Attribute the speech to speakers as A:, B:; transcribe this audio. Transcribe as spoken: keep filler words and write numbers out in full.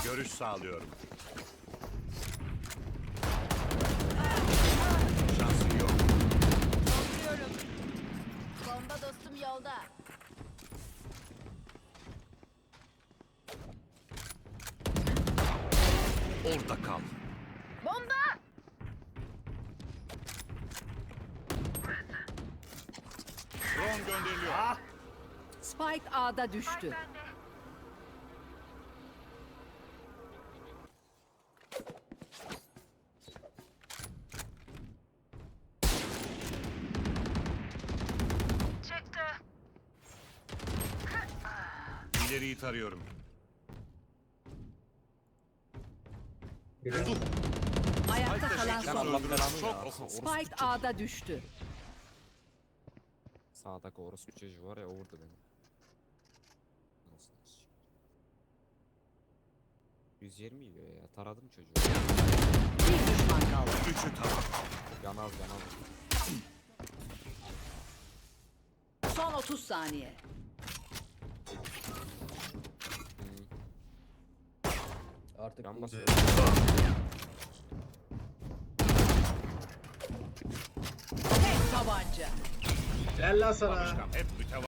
A: Görüş sağlıyorum. Şansın yok.
B: Dolduruyorum. Bomba dostum yolda.
A: Orada kal.
B: Bomba!
A: Drone gönderiliyor.
C: Spike A'da düştü.
A: İleriyi tarıyorum.
C: Ayakta kalan
A: Spike'da
C: son.
A: şekil
D: Allah
A: söndürün.
D: belanı
A: Çok
D: ya.
A: oku.
D: Orospu
C: Spike
D: çocuğu.
C: A'da düştü.
D: Sağdaki orospu çocuğu var ya, o vurdu beni. Nasıl nasıl? yüz yirmi yiyor ya. Taradım çocuğu.
C: Bir düşman kaldı.
A: Üçü tamam.
D: Yanal yanal.
C: Son otuz saniye.
E: Artık
D: Yan
E: iyi.
D: basıyor.
C: Tek tabanca.
E: Gel lan sana.
A: Hep mütevazı.